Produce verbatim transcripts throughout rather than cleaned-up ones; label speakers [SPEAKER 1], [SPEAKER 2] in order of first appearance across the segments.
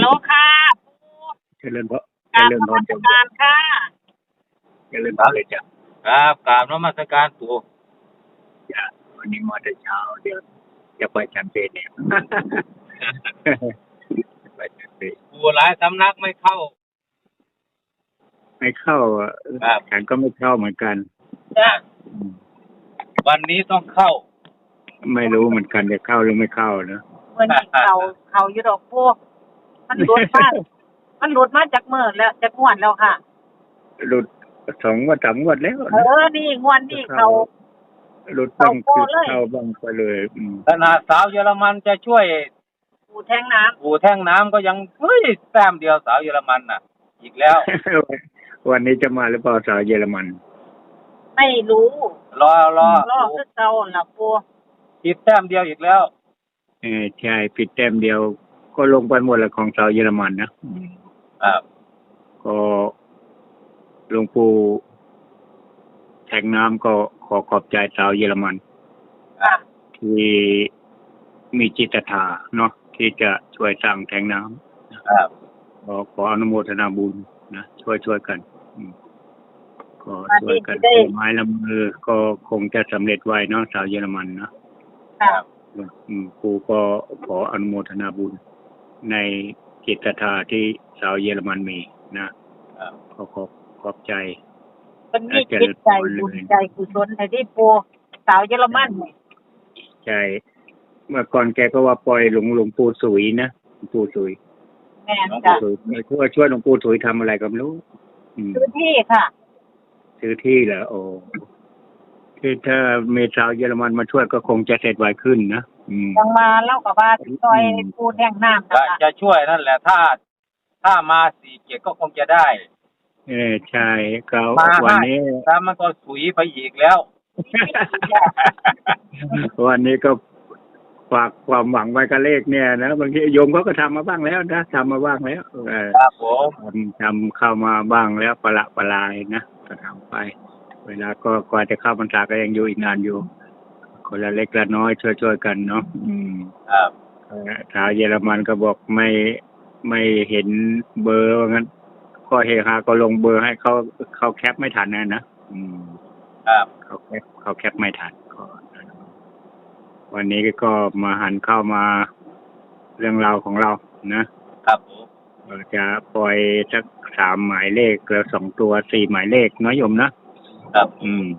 [SPEAKER 1] ลค่ะ
[SPEAKER 2] เจริญพร
[SPEAKER 1] กราบ
[SPEAKER 2] เจริญ
[SPEAKER 1] นมัส
[SPEAKER 2] พรจ้ะ
[SPEAKER 1] การค่ะ
[SPEAKER 2] เจริญพรเลยจ้ะ
[SPEAKER 3] ครับกราบนมัสการปู่
[SPEAKER 2] จ้ะวันนี้มาแต่เช้าเดี๋ยวจะไปฉันเพลเนี่ย ไปฉันเพล
[SPEAKER 3] ปู่หลายสำนักไม่เข้า
[SPEAKER 2] ไม่เข้าอ่ะ
[SPEAKER 3] ครับ
[SPEAKER 2] ฉันก็ไม่เข้าเหมือนกัน
[SPEAKER 1] จ้ะ
[SPEAKER 2] อืม
[SPEAKER 3] วันนี้ต้องเข้า
[SPEAKER 2] ไม่รู้เหมือนกันจะเข้าหรือไม่เข้านะ
[SPEAKER 1] เมื่อนี้เขาเขาอยู่ดอกพวกมันหลุดมามันหลุดมาจากเมื่อแล้วจากงวดแล้วค่ะ
[SPEAKER 2] หลุดสองงวดสามงวดแล้ว
[SPEAKER 1] เออนี่งวดนี่เขา
[SPEAKER 2] หลุดบ้าง
[SPEAKER 1] เข้า
[SPEAKER 2] คือ
[SPEAKER 1] เลย
[SPEAKER 2] เข้าบ้างไปเลยอืม
[SPEAKER 3] ขนาดสาวเยอรมันจะช่วย
[SPEAKER 1] ปูแทงน้ำ
[SPEAKER 3] ปู่แท่งน้ำก็ยังเฮ้ยแต้มเดียวสาวเยอรมันน่ะ อีกแล้ว
[SPEAKER 2] วันนี้จะมาหรือเปล่าสาวเยอรมัน
[SPEAKER 1] ไม่รู้
[SPEAKER 3] รอรอ
[SPEAKER 1] รอคือเก่าล่ะปู
[SPEAKER 3] อีกแต้มเดียวอีกแล้ว
[SPEAKER 2] เออใช่ผิดแต้มเดียว ก็ลงไปหมดแล้วของสาวเยอรมันนะอืม
[SPEAKER 3] ครับ
[SPEAKER 2] ก็หลวงปู่แทงน้ำก็ขอขอบใจชาวเยอรมัน
[SPEAKER 1] ค่ะ
[SPEAKER 2] ที่มีจิตศรัทธาเนาะที่จะช่วยสร้างแทงน้
[SPEAKER 3] ครับ
[SPEAKER 2] ำขอขออนุโมทนาบุญนะช่วยช่วยกันอืมก็ช่วยกันถือไม้ละมือก็คงจะสำเร็จไวเนาะชาวเยอรมันเนาะ
[SPEAKER 1] ค่ะ
[SPEAKER 2] อืมปู่ก็ขออนุโมทนาบุญในจิตศรัทธาที่ชาวเยอรมันมีนะครับ ขอขอบขอบใจ
[SPEAKER 1] เป็นมีจิตใจบุญใจกุศลในที่ปูสาวเยอรมันนี่
[SPEAKER 2] ใช่เมื่อก่อนแกก็ว่าปล่อยหลวงหลวงปู่สุยนะหลวงปู่สุย
[SPEAKER 1] แม่น
[SPEAKER 2] หลวง
[SPEAKER 1] จ้ะ
[SPEAKER 2] ปู่สุยช่วยช่วยหลวงปู่สุยทำอะไรก็ไม่รู้อืม
[SPEAKER 1] ซื้อที่ค่ะ
[SPEAKER 2] ซื้อที่เหรอโอ้คือถ้าเมชาวเยอรมันมาช่วยก็คงจะเสร็จไวขึ้นนะอืม
[SPEAKER 1] ยังมาเล่ากับว่าซอยปูแทงน้ำ
[SPEAKER 3] จะ
[SPEAKER 1] นะคะ
[SPEAKER 3] จะช่วยนั่นแหละถ้า ถ้ามาสี่เจ็ดก็คงจะได้
[SPEAKER 2] เออใช่ก็
[SPEAKER 3] มา
[SPEAKER 2] วัน
[SPEAKER 3] ห้า
[SPEAKER 2] นี้
[SPEAKER 3] ถ้ามันก็สุยไปอีกแล้ว
[SPEAKER 2] วันนี้ก็ฝากความหวังไว้กับเลขเนี่ยนะบางทีโยมเขาก็ทำมาบ้างแล้วนะทำมาบ้างแล้วเออ
[SPEAKER 3] ครับผม
[SPEAKER 2] ทำทำเข้ามาบ้างแล้วประละประลายนะก็ทำไป เวลาก็กว่าจะเข้าพรรษาก็ยังอยู่อีกนานอยู่ คนละเล็กละน้อยช่วยช่วยกันเนาะอืม
[SPEAKER 3] ครับ
[SPEAKER 2] เอ่อชาวเยอรมันก็บอกไม่ไม่เห็นเบอร์ว่างั้นก็เฮฮาก็ลงเบอร์ให้เขาเขาแคปไม่ทันนะนะอืม
[SPEAKER 3] ครับ
[SPEAKER 2] เขาแคปเขาแคปไม่ทันก็วันนี้ก็มาหันเข้ามาเรื่องราวของเรานะครับ
[SPEAKER 3] ผม
[SPEAKER 2] เราจะปล่อยสักสามหมายเลขแล้วสองตัวสี่หมายเลขน้อยโยมนะครับ อืม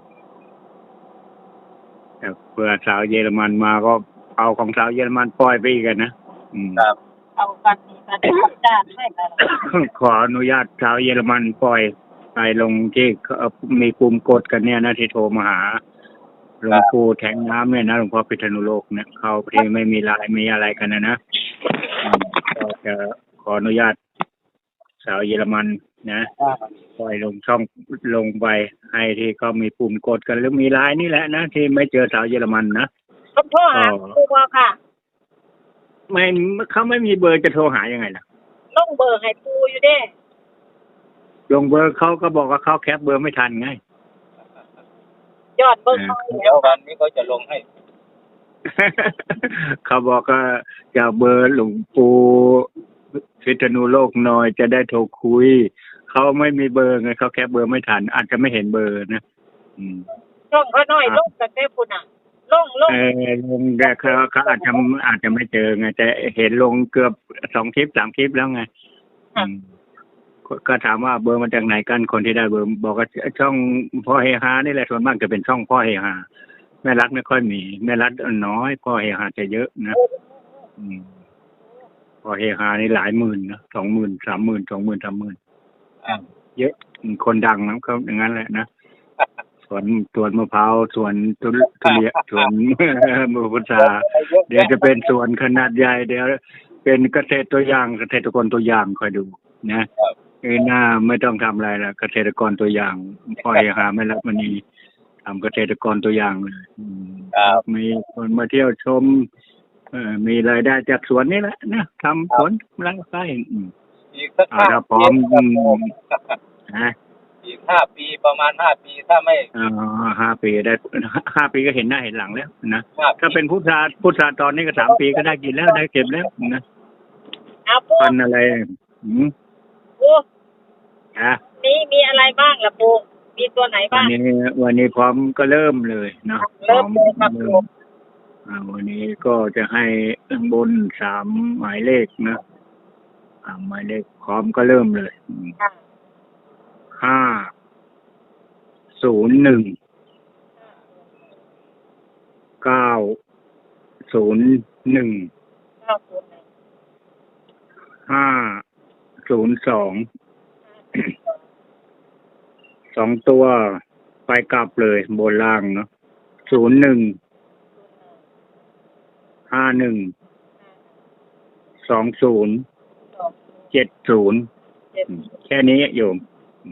[SPEAKER 2] แต่เพื่อสาวเยอรมันมาก็เอาของสาวเยอรมันปล่อยไปอีกกันนะอืม
[SPEAKER 3] ครับ
[SPEAKER 1] เอากันนี่กันจ้าให้กัน
[SPEAKER 2] ขออนุญาตชาวเยอรมันปล่อยไปลงที่เอ่อมีปุ่มกดกันเนี่ยนะที่โทรมาหาหลวงปู่แทงน้ำเนี่ยนะหลวงพ่อพิษณุโลกเนี่ยเขาที่ไม่มีไลายมีอะไรกันนะนะอืมก็จะขออนุญาตชาวเยอรมันนะปล่อยลงช่องลงไปให้ที่เขามีปุ่มกดกันหรือมีไลน์นี่แหละนะที่ไม่เจอสาวเยอรมันนะ
[SPEAKER 1] ต้องโทรหาปูบ่ค่ะ
[SPEAKER 2] ไม่เขาไม่มีเบอร์จะโทรหายังไงล่ะ
[SPEAKER 1] ลงเบอร์ให้ปูอยู่เด้
[SPEAKER 2] ลงเบอร์เขาก็บอกว่าเขาแคปเบอร์ไม่ทันไง
[SPEAKER 1] ยอดเบอร์เขา
[SPEAKER 3] เดี๋ยววันนี้เขาจะลงให้
[SPEAKER 2] เขาบอกว่าจะเอาเบอร์หลวงปู่พิษณุโลกหน่อยจะได้โทรคุยเขาไม่มีเบอร์ไงเขาแคปเบอร์ไม่ทัน อาจจะไม่เห็นเบอร์นะอืม
[SPEAKER 1] ช่องเขาน้อยลงแต่แต่ปุ่นอ่ะลงลง
[SPEAKER 2] เออลงแต่เขาเขาอาจจะอาจจะไม่เจอไงแต่เห็นลงเกือบสองคลิปสามคลิปแล้วไงอืมก็ก็ถามว่าเบอร์มาจากไหนกันคนที่ได้เบอร์บอกว่าช่องพ่อเฮฮานี่แหละส่วนมากจะเป็นช่องพ่อเฮฮาแม่รัฐไม่ค่อยมีแม่รัฐน้อยพ่อเฮฮาจะเยอะนะอืมพ่อเฮฮานี่หลายหมื่นนะสองหมื่นสามหมื่นสองหมื่นสามหมื่นเยอะคนดังนะเขาอย่างนั้นแหละนะสวนสวนมะพร้าวสวนทุเรียนสวน มือพุทราเดี๋ยวจะเป็นสวนขนาดใหญ่เดี๋ยวเป็นเกษตรตัวอย่างเกษตรกรตัวอย่างคอยดูนะเออหน้าไม่ต้องทำอะไรละเกษตรกรตัวอย่างพ่อเฮฮาไม่รับมันนี่ทำเกษตรกรตัวอย่างเลยอืม
[SPEAKER 3] ครับ
[SPEAKER 2] มีคนมาเที่ยวชมเอ่อมีรายได้จากสวนนี่แหละนะทำสวนไร่ไร่อืม
[SPEAKER 3] อีกสัก
[SPEAKER 2] เอา
[SPEAKER 3] ห้า
[SPEAKER 2] ถ้าพร้อ
[SPEAKER 3] ปี
[SPEAKER 2] ม
[SPEAKER 3] ครับ
[SPEAKER 2] อื
[SPEAKER 3] ผม
[SPEAKER 2] มนะ
[SPEAKER 3] อีกห้าปีประมาณห้าปีถ้าไม่
[SPEAKER 2] เอ่อห้าปีได้ห้าปีก็เห็นหน้าเห็นหลังแล้วนะ
[SPEAKER 3] ห้าปี
[SPEAKER 2] ถ้าเป็นพุทราพุทราตอนนี้ก็สามปีก็ได้กินแล้วได้เก็บแล้วนะ
[SPEAKER 1] เอาปู
[SPEAKER 2] พันอะไรหืม
[SPEAKER 1] ปู
[SPEAKER 2] อ่ะ
[SPEAKER 1] มีมีอะไรบ้างล่ะปูมีตัวไหน
[SPEAKER 2] วัน
[SPEAKER 1] บ้าง
[SPEAKER 2] นี้วันนี้พร้อมก็เริ่มเลยเนาะ
[SPEAKER 1] เริ่มเลยครับ
[SPEAKER 2] เริ่
[SPEAKER 1] ปู
[SPEAKER 2] มอ่าวันนี้ก็จะให้ข้างบนสามหมายเลขนะอ่าหมายเลขพร้อมก็เริ่มเลยอืม
[SPEAKER 1] ค่ะ
[SPEAKER 2] ห้าศูนย์หนึ่งเก้าศูนย์หนึ่ง
[SPEAKER 1] เก้าศูนย์หนึ่ง
[SPEAKER 2] ห้าศูนย์สองสองตัวไปกลับเลยบนล่างเนาะศูนย์หนึ่งห้าหนึ่งสองศูนย์
[SPEAKER 1] สอง
[SPEAKER 2] เจ็ดศูนย์
[SPEAKER 1] เจ็ด
[SPEAKER 2] แค่นี้โยม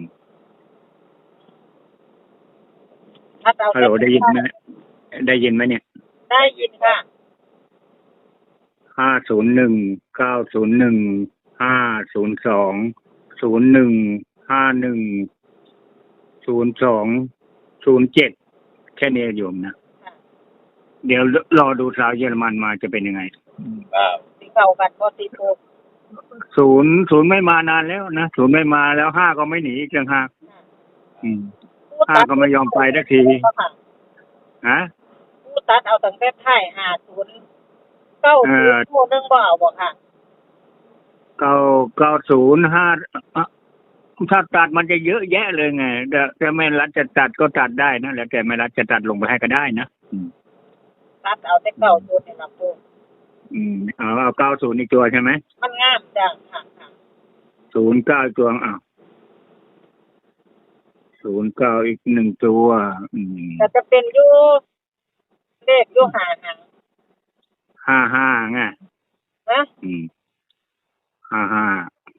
[SPEAKER 1] ถ้าเอา
[SPEAKER 2] ฮัลโหลได้ยินไหมได้ยินไหมเนี่ย
[SPEAKER 1] ได้ยินค่ะ
[SPEAKER 2] ห้าศูนย์หนึ่งเก้าศูนย์หนึ่งห้าศูนย์สองศูนย์หนึ่งห้าหนึ่งศูนย์สองศูนย์เจ็ดแค่นี้โยมนะ
[SPEAKER 1] ค่ะ
[SPEAKER 2] เดี๋ยวรอดูสาวเยอรมันมาจะเป็นยังไง
[SPEAKER 3] ครับ
[SPEAKER 1] สีเก่ากันพอตีปู
[SPEAKER 2] ศูนย์ศูนย์ไม่มานานแล้วนะศูนย์ไม่มาแล้วห้าก็ไม่หนีอีกต่างหากอืม ห้าก็ไม่ยอมไปสักที
[SPEAKER 1] ค่ะ
[SPEAKER 2] ฮะ
[SPEAKER 1] ผู้ตัดเอาตั้งแต่ท้ายห้าศูนย์เก้าศูนย์ตัวหนึงบ่เอาบ่ค่ะ
[SPEAKER 2] เก้าเก้าศูนย์ห้าถ้าตัดมันจะเยอะแยะเลยไงแต่แต่ไม่รัฐจะตัดก็ตัดได้นะแล้วแต่ไม่รัฐจะตัดลงไปให้ก็ได้นะอืม
[SPEAKER 1] ตัดเอาแต่เก้าศูนย์นี่ล่ะปู
[SPEAKER 2] อืมเอาเอาเก้าศูนย์อีกตัวใช่ไหม
[SPEAKER 1] มันงามจังค่ะค่ะ
[SPEAKER 2] ศูนย์เก้าตัวอ้าวศูนย์เก้าอีกหนึ่งตัว อืม
[SPEAKER 1] แต่จะเป็นอยู่เลขอยู่หาหาง
[SPEAKER 2] ห้าห้าไง
[SPEAKER 1] นะ
[SPEAKER 2] อืมห้าห้า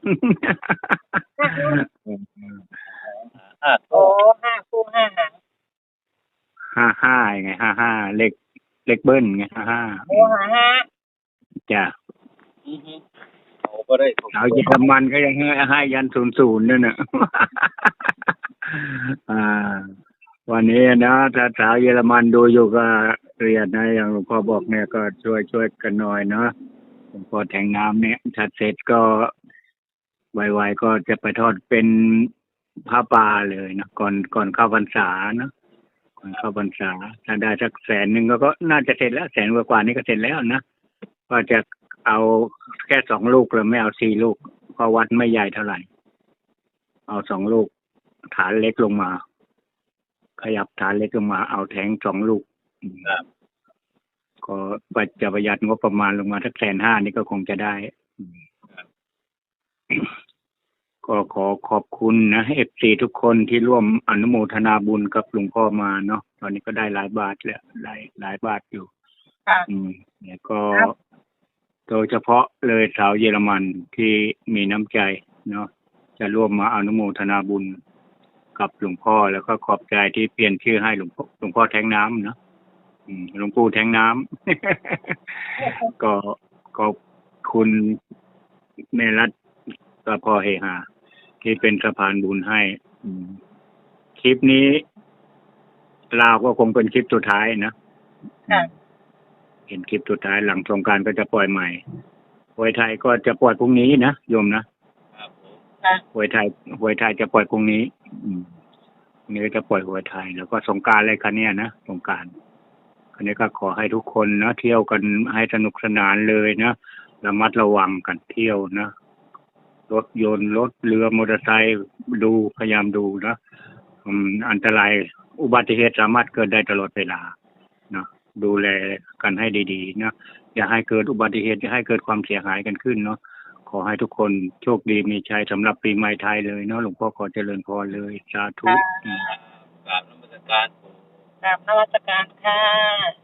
[SPEAKER 3] ห้า
[SPEAKER 1] โอ้
[SPEAKER 3] คู่
[SPEAKER 1] ห้าคู่ห้าหาง
[SPEAKER 2] ห้าห้าไงห้าห้าเลขเลขเบิ้ลไงห้าห้า
[SPEAKER 1] โอ้หาห้า
[SPEAKER 2] จ้ะ
[SPEAKER 3] อือฮึเขาก็ได้ถูก
[SPEAKER 2] เอาเยอรมันก็ยังให้ให้ยันศูนย์ศูนย์นั่นน่ะ อ่า วันนี้นะถ้าสาวเยอรมันดูอยู่ก็เรียนนะอย่างหลวงพ่อบอกเนี่ยก็ช่วยช่วยกันหน่อยเนาะหลวงพ่อแทงน้ำเนี่ยถ้าเสร็จก็ไวๆก็จะไปทอดเป็นผ้าป่าเลยนะก่อนก่อนเข้าพรรษาเนาะก่อนเข้าพรรษาถ้าได้สักแสนหนึ่งก็ก็น่าจะเสร็จแล้วแสนกว่าๆนี้ก็เสร็จแล้วนะก็จะเอาแค่สองลูกเลยไม่เอาสี่ลูกเพราะวัดไม่ใหญ่เท่าไหร่เอาสองลูกฐานเล็กลงมา ขยับฐานเล็กลงมาเอาแทงสองลูก
[SPEAKER 3] ครับ
[SPEAKER 2] ก็ปัจจะประหยัดงบประมาณลงมาสักแสนห้านี่ก็คงจะได้ ก็ขอขอบคุณนะเอฟซีทุกคนที่ร่วมอนุโมทนาบุญกับหลวงพ่อมาเนาะตอนนี้ก็ได้หลายบาทแล้วหลายหลายบาทอยู่
[SPEAKER 1] ค่ะ
[SPEAKER 2] อืมเนี่ยก็โดยเฉพาะเลยสาวเยอรมันที่มีน้ำใจเนาะจะร่วมมาอนุโมทนาบุญกับหลวงพ่อแล้วก็ขอบใจที่เปลี่ยนชื่อให้หลวงพ่อหลวงพ่อแทงน้ำเนาะอืมหลวงปู่แทงน้ำ ก็ขอบคุณแม่รัฐกับพ่อเฮฮาที่เป็นสะพานบุญให้อืมคลิปนี้ลาวก็คงเป็นคลิปสุดท้ายนะ
[SPEAKER 1] ค่ะ
[SPEAKER 2] เห็นคลิปสุดท้ายหลังสงกรานต์ก็จะปล่อยใหม่หวยไทยก็จะปล่อยพรุ่งนี้นะโยมนะครับ
[SPEAKER 3] ผม
[SPEAKER 1] ค่ะ
[SPEAKER 2] หวยไทยหวยไทยจะปล่อยพรุ่งนี้ อืมพรุ่งนี้ก็จะปล่อยหวยไทย แล้วก็สงกรานต์อะไรกันเนี่ยนะสงกรานต์คันนี้ก็ขอให้ทุกคนนะเที่ยวกันให้สนุกสนานเลยนะระมัดระวังกันเที่ยวนะรถยนต์รถเรือมอเตอร์ไซค์ดูพยายามดูนะอืมอันตรายอุบัติเหตุสามารถเกิดได้ตลอดเวลานะดูแลกันให้ดีๆนะอย่าให้เกิดอุบัติเหตุอย่าให้เกิดความเสียหายกันขึ้นเนาะขอให้ทุกคนโชคดีมีชัยสำหรับปีใหม่ไทยเลยเนาะหลวงพ่อขอเจริญพรเลยสาธุอืม
[SPEAKER 3] กราบนมัสการผม
[SPEAKER 1] กราบนมัสการค่ะ